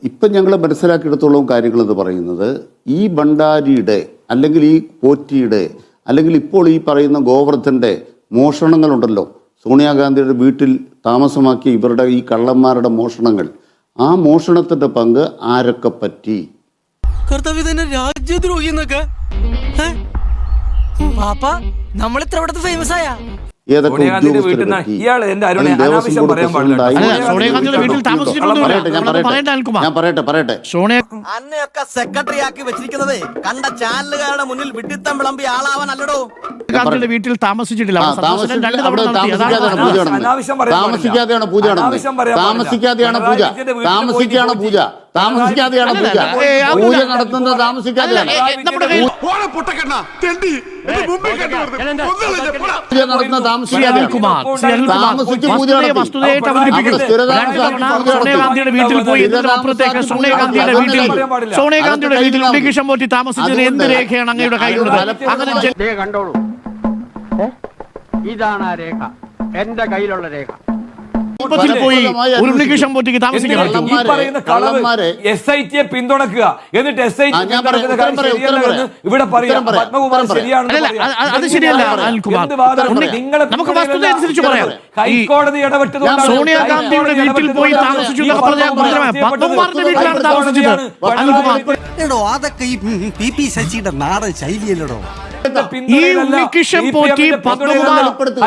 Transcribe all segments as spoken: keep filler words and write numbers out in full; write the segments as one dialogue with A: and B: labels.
A: ഇപ്പം ഞങ്ങൾ മനസ്സിലാക്കിയെടുത്തോളം കാര്യങ്ങളെന്ന് പറയുന്നത് ഈ ഭണ്ഡാരിയുടെ അല്ലെങ്കിൽ ഈ പോറ്റിയുടെ അല്ലെങ്കിൽ ഇപ്പോൾ ഈ പറയുന്ന ഗോവർദ്ധൻ്റെ മോഷണങ്ങളുണ്ടല്ലോ, സോണിയാഗാന്ധിയുടെ വീട്ടിൽ താമസമാക്കിയ ഇവരുടെ ഈ കള്ളന്മാരുടെ മോഷണങ്ങൾ, ആ മോഷണത്തിൻ്റെ പങ്ക് ആരൊക്കെ പറ്റി?
B: രാജ്യദ്രോഹി എന്നൊക്കെ നമ്മളിത്ര ഇവിടുത്തെ ഫേമസ് ആയ
A: ഏതൊക്കെ ഞാൻ പറയട്ടെ പറയട്ടെ
C: അന്നയൊക്കെ സെക്രട്ടറി ആക്കി വെച്ചിരിക്കുന്നത് കണ്ട ചാനലുകാരുടെ മുന്നിൽ വിഡിത്തം വിളമ്പി ആളാവാനല്ലടോ.
D: ഗാന്ധിയുടെ വീട്ടിൽ താമസിച്ചിട്ടില്ല.
A: താമസിക്കാതെയാണ് പൂജ നടന്നത്. താമസിക്കാതെയാണ് പൂജ താമസിക്കാണ് പൂജ താമസിക്കാതെയാണ് പൂജ പൂജ നടത്തുന്നത് താമസിക്കാതെയാണ്. പൂജ നടത്തുന്നത് താമസിച്ച് പൂജ
D: സോണിയാഗാന്ധിയുടെ വീട്ടിൽ പോയി അപ്പുറത്തേക്ക് സോണിയാഗാന്ധിയുടെ വീട്ടിൽ സോണിയാഗാന്ധിയുടെ വീട്ടിൽ ഉണ്ണികൃഷ്ണൻ പോറ്റി താമസിച്ചതിന് എന്ത് രേഖയാണ് അങ്ങയുടെ കയ്യിലുള്ളത്? അങ്ങനെ
E: കണ്ടോളൂ, ഇതാണ് ആ രേഖ, എന്റെ കയ്യിലുള്ള രേഖ.
D: പോയി ഉണ്ണികൃഷ്ണൻ പോറ്റിക്ക് താമസിക്കാൻ
F: എസ് ഐ ടിയെ പിന്തുണക്കുക, എന്നിട്ട് എസ് ഐ ടി ഇവിടെ പറയാം പത്മകുമാർ ശരിയാണെന്ന്.
D: അത് ശരിയല്ല അനിൽകുമാർ, നമുക്ക് വസ്തുത അനുസരിച്ച് പറയാം.
F: ഹൈക്കോടതി ഇടപെട്ടതുകൊണ്ട്
D: സോണിയാഗാന്ധിയുടെ വീട്ടിൽ പോയി താമസിച്ചു പത്മകുമാറിന്റെ വീട്ടിലാണ് താമസിച്ചത്.
C: അതൊക്കെ ഈ പി പി ശശിയുടെ നാടൻ ശൈലിയല്ലടോ.
D: ഈ ഉണ്ണികൃഷ്ണൻ പോറ്റി പത്മകുമാർ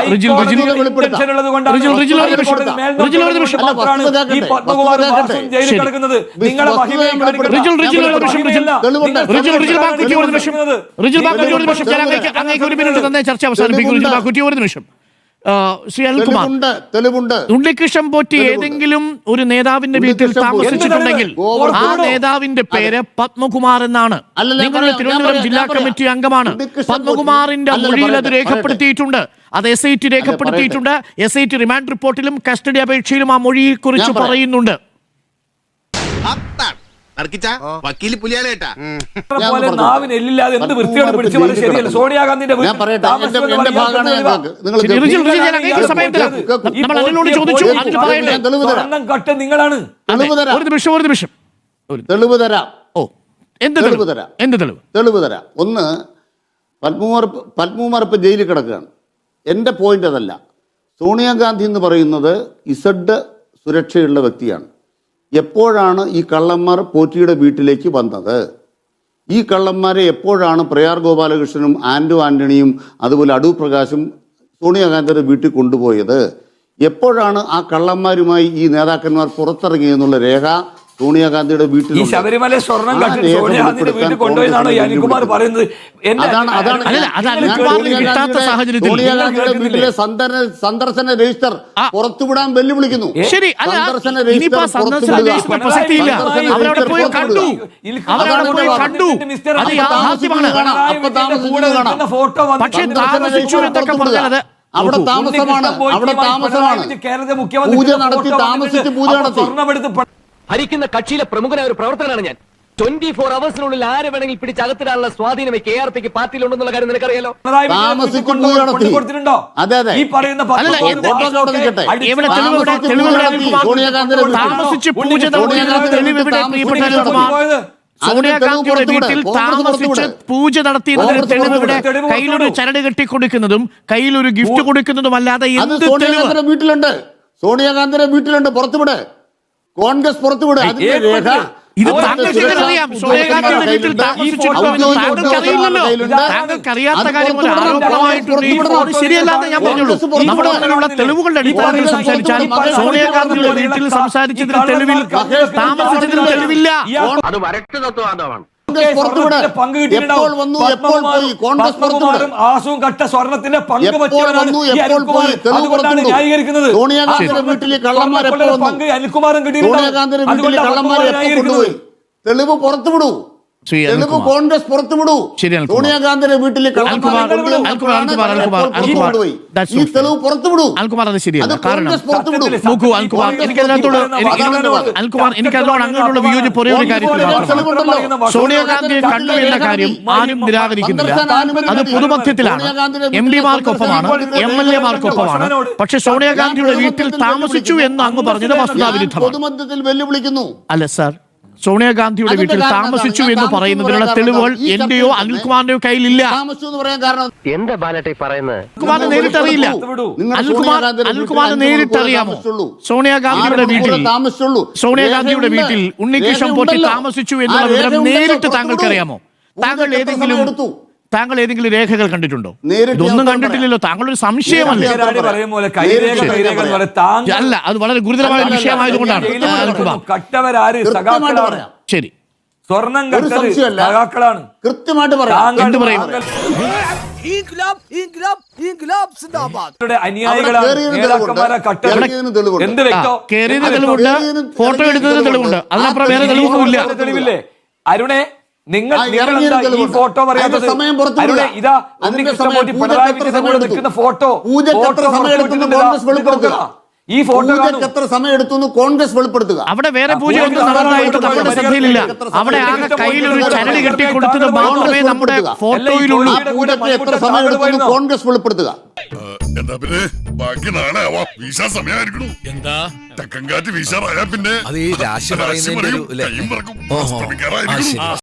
D: ചർച്ച അവസാനിപ്പിക്കും. ഒരു നിമിഷം ശ്രീ അനിൽകുമാർ, ഉണ്ണികൃഷ്ണൻ പോറ്റി ഏതെങ്കിലും ഒരു നേതാവിന്റെ വീട്ടിൽ താമസിച്ചിട്ടുണ്ടെങ്കിൽ ആ നേതാവിന്റെ പേര് പത്മകുമാർ എന്നാണ്. നിങ്ങളുടെ തിരുവനന്തപുരം ജില്ലാ കമ്മിറ്റി അംഗമാണ്. പത്മകുമാറിന്റെ മൊഴിയിൽ അത് രേഖപ്പെടുത്തിയിട്ടുണ്ട്. അത് എസ് ഐ ടി രേഖപ്പെടുത്തിയിട്ടുണ്ട്. എസ് ഐ ടി റിമാൻഡ് റിപ്പോർട്ടിലും കസ്റ്റഡി അപേക്ഷയിലും ആ മൊഴിയെ കുറിച്ച് പറയുന്നുണ്ട്.
F: സോണിയാഗാന്ധിന്റെ നിങ്ങളാണ്.
D: ഒരു നിമിഷം ഒരു നിമിഷം
A: തെളിവ് തരാം.
D: ഓ, എന്ത് തെളിവ് തരാം? എന്ത് തെളിവ്?
A: തെളിവ് തരാം. ഒന്ന്, പത്മകുമാർ പത്മകുമാർ ഇപ്പൊ ജയിലിൽ കിടക്കുകയാണ്. എൻ്റെ പോയിന്റ് അതല്ല. സോണിയാഗാന്ധി എന്ന് പറയുന്നത് ഇസഡ് സുരക്ഷയുള്ള വ്യക്തിയാണ്. എപ്പോഴാണ് ഈ കള്ളന്മാർ പോറ്റിയുടെ വീട്ടിലേക്ക് വന്നത്? ഈ കള്ളന്മാരെ എപ്പോഴാണ് പ്രയാർ ഗോപാലകൃഷ്ണനും ആൻഡു ആന്റണിയും അതുപോലെ അടൂർ പ്രകാശും സോണിയാഗാന്ധിയുടെ വീട്ടിൽ കൊണ്ടുപോയത്? എപ്പോഴാണ് ആ കള്ളന്മാരുമായി ഈ നേതാക്കന്മാർ പുറത്തിറങ്ങിയെന്നുള്ള രേഖ സോണിയാഗാന്ധിയുടെ വീട്ടിൽ
F: ശബരിമല സ്വർണം സോണിയാഗാന്ധിയുടെ വീട്ടിൽ കൊണ്ടുപോയെന്നാണ് അനിൽകുമാർ പറയുന്നത്.
A: സോണിയാഗാന്ധിയുടെ വീട്ടിലെ സന്ദർശന രജിസ്റ്റർ പുറത്തുവിടാൻ വെല്ലുവിളിക്കുന്നു.
D: ശരി,
A: അവിടെ താമസമാണ് അവിടെ താമസമാണ് പൂജ നടത്തി താമസിച്ച് പൂജ നടത്തി
E: ഭരിക്കുന്ന കക്ഷിയിലെ പ്രമുഖനായ ഒരു പ്രവർത്തകനാണ് ഞാൻ. ട്വന്റി ഫോർ അവേഴ്സിനുള്ളിൽ ആരെ വേണമെങ്കിൽ പിടിച്ചകത്തിടാനുള്ള സ്വാധീനം കെ ആർ പിക്ക് പാർട്ടിയിലുണ്ടെന്നുള്ള കാര്യം നിനക്കറിയാലോ.
A: അതെ അതെ
D: സോണിയാഗാന്ധിയുടെ വീട്ടിൽ താമസിച്ച് പൂജ നടത്തിയതിന്റെ തെളിവിടെ കയ്യിലൊരു ചരട് കെട്ടി കൊടുക്കുന്നതും കയ്യിലൊരു ഗിഫ്റ്റ് കൊടുക്കുന്നതും അല്ലാതെ
A: സോണിയാഗാന്ധിയുടെ വീട്ടിലുണ്ട്. സോണിയാഗാന്ധിയുടെ വീട്ടിലുണ്ട്. പുറത്തുവിട്, കോൺഗ്രസ് പുറത്തുവിട്. അതിന്റെ രേഖ
D: ഇത് താങ്കൾക്കറിയാം. സോണിയാഗാന്ധിയുടെ വീട്ടിൽ താങ്കൾക്കറിയാത്ത കാര്യം ശരിയല്ലാന്ന് ഞാൻ പറഞ്ഞുള്ളൂ. നമ്മുടെ മുന്നിലുള്ള തെളിവുകളുടെ അടിസ്ഥാനത്തിൽ സംസാരിച്ചാൽ സോണിയാഗാന്ധിയുടെ വീട്ടിൽ സംസാരിച്ചതിന് തെളിവിൽ താമസിച്ചതിന് തെളിവില്ല.
E: അത് വരട്ട് തത്വമാണ്.
F: ആസും കട്ട സ്വർണത്തിന്റെ പങ്ക് പങ്ക് അനിൽകുമാറും കിട്ടിയിട്ടുണ്ട്.
A: തെളിവ് പുറത്തുവിടൂ. തെളിവ് കോൺഗ്രസ് പുറത്തുവിടൂ. സോണിയാഗാന്ധിയുടെ വീട്ടിൽ ഈ തെളിവ് പുറത്തുവിടൂ.
D: എനിക്കതിനോട് അങ്ങോട്ടുള്ള വിയോജിപ്പ് ഒരേ ഒരു കാര്യത്തിൽ സോണിയാഗാന്ധിയെ കണ്ടു എന്ന കാര്യം ആരും നിരാകരിക്കുന്നില്ല. അത് പൊതുമധ്യത്തിലാണ്. എം പിമാർക്കൊപ്പമാണ്, എം എൽ എമാർക്കൊപ്പമാണ്. പക്ഷെ സോണിയാഗാന്ധിയുടെ വീട്ടിൽ താമസിച്ചു എന്ന് അങ്ങ് പറഞ്ഞത് വസ്തുതാവിരുദ്ധമാണ്.
A: പൊതുമധ്യത്തിൽ വെല്ലുവിളിക്കുന്നു.
D: അല്ല സാർ, സോണിയാഗാന്ധിയുടെ
A: അതിന്റെ
D: വീട്ടിൽ
A: കാരണം
D: താമസിച്ചു
A: എന്താണ്?
D: എന്ന്
A: ഞാൻ
D: പറയുന്നതിനുള്ള
A: താമസിച്ചു
D: തെളിവുകൾ
A: എന്ന് പറയാൻ
D: എന്റെയോ
A: കാരണം
D: അനിൽകുമാറിന്റെയോ കയ്യിലില്ല.
A: താമസിച്ചു എന്ന് പറയാൻ കാരണം
E: എന്താ ബാലട്ടെ പറയുന്നത്?
D: അനിൽകുമാറിന് നേരിട്ട് അറിയില്ല.
A: നിങ്ങൾ
D: അനിൽകുമാർ
A: സോണിയാഗാന്ധിയുടെ
D: അനിൽകുമാറിന്
A: വീട്ടിൽ
D: നേരിട്ട്
A: അഞ്ച്
D: അറിയാമോ?
A: താമസിച്ചുള്ളൂ.
D: സോണിയാഗാന്ധിയുടെ
A: ആറ്
D: വീട്ടിൽ
A: മണിക്കൂർ താമസിച്ചുള്ളൂ.
D: സോണിയാഗാന്ധിയുടെ
A: രേഖയുണ്ട്.
D: വീട്ടിൽ ഉണ്ണികൃഷ്ണൻ പോറ്റി
A: രേഖയുണ്ടല്ലോ.
D: താമസിച്ചു
A: ആ
D: എന്നുള്ള വിവരം
A: രേഖയുണ്ടല്ലോ.
D: നേരിട്ട്
A: പുറത്തു
D: താങ്കൾക്ക്
A: വിടൂ.
D: അറിയാമോ? താങ്കൾ
A: പൂജയ്ക്ക് എത്ര
D: ഏതെങ്കിലും
A: സമയം എടുത്തു?
D: താങ്കൾ ഏതെങ്കിലും രേഖകൾ കണ്ടിട്ടുണ്ടോ?
A: നേരിട്ട്
D: ഇതൊന്നും
A: ഞാൻ
D: കണ്ടിട്ടില്ലല്ലോ. താങ്കളൊരു സംശയമല്ലേ?
A: നേരിട്ട്
F: പറയും പോലെ കൈരേഖ കൈരേഖ എന്ന് പറയും. താങ്കൾ
D: അല്ല, അത് വളരെ ഗുരുതരമായ
A: അല്ല,
D: വിഷയമായതുകൊണ്ടാണ്
A: അല്ല, അല്ല,
D: അനിൽകുമാർ.
F: കട്ടവരാര്
A: കൃത്യമായിട്ട്
F: സഖാക്കളാണ്.
A: പറയാം.
D: ശരി,
F: സ്വർണം
A: ഒരു
F: കട്ടത്
A: സംശയമല്ല.
F: സഖാക്കളാണ്.
A: കൃത്യമായിട്ട് പറയാം.
F: താങ്കൾ
D: എന്ത് പറയും?
F: താങ്കളുടെ അനുയായികളാണ്
A: അവിടെ കേറിയതിന്
F: നേതാക്കന്മാരെ കട്ടത്.
A: കേറിയതിന് തെളിവുണ്ട്.
F: എന്ത്
D: ആ,
F: വ്യക്തം?
D: കേറിയതിന്
F: അത്
D: തെളിവുണ്ട്,
A: കേറിയതിന്
D: ഫോട്ടോ എടുത്തതിന് തെളിവുണ്ട്. അതിനപ്പുറം വേറെ തെളിവൊന്നുമില്ല.
F: ഫോട്ടോ തെളിവില്ലേ? അരുണെ, നിങ്ങൾ
A: ആ,
F: നിങ്ങൾ
A: ഇറങ്ങിയതിന്
F: എന്താ ഈ
A: തെളിവുണ്ട്.
F: ഫോട്ടോ പറയാത്തത്?
A: അതിന്റെ സമയം പുറത്തു
F: അരുണെ,
A: വിടുക.
F: ഇതാ
A: അതിന്റെ
F: ഉണ്ണികൃഷ്ണൻ
A: സമയം
F: പോറ്റി
A: പൂജയ്ക്ക്
F: പിണറായി
A: എത്ര
F: വിജയൻ
A: സമയം
F: കൂടെ
A: എടുത്തു?
F: നിൽക്കുന്ന ഫോട്ടോ
A: പൂജയ്ക്ക് എത്ര
F: ഫോട്ടോ
A: സമയം എടുത്തു എന്ന് കോൺഗ്രസ് വെളിപ്പെടുത്തുക.
F: ഈ ഫോട്ടോ കാണൂ.
A: പൂജയ്ക്ക് എത്ര സമയം എടുത്തു എന്ന് കോൺഗ്രസ് വെളിപ്പെടുത്തുക.
D: അവിടെ വേറെ പൂജയൊന്നും നടന്നതായിട്ട് നമ്മുടെ ശ്രദ്ധയിലില്ല. അവിടെ ആകെ കയ്യിലൊരു ചരട് കെട്ടി കൊടുത്തത് മാത്രമേ നമ്മുടെ ഫോട്ടോയിലുള്ളൂ.
A: ആ പൂജയ്ക്ക് എത്ര സമയം എടുത്തു എന്ന് കോൺഗ്രസ് വെളിപ്പെടുത്തുക.
G: എന്താ പിന്നെ ബാക്കി നാളെ ആവാം. വീശാൻ സമയമായിരിക്കണു.
H: എന്താ
G: തെക്കൻ കാറ്റ് വീശാറായാ പിന്നെ
H: അത് ഈ രാശി പറയുന്നതിന്റെ ഒരു
G: കയ്യും പറക്കും.
H: ഓഹോ.
G: അസ്തമിക്കാറായിരിക്കണു.
H: ആ, ശരി.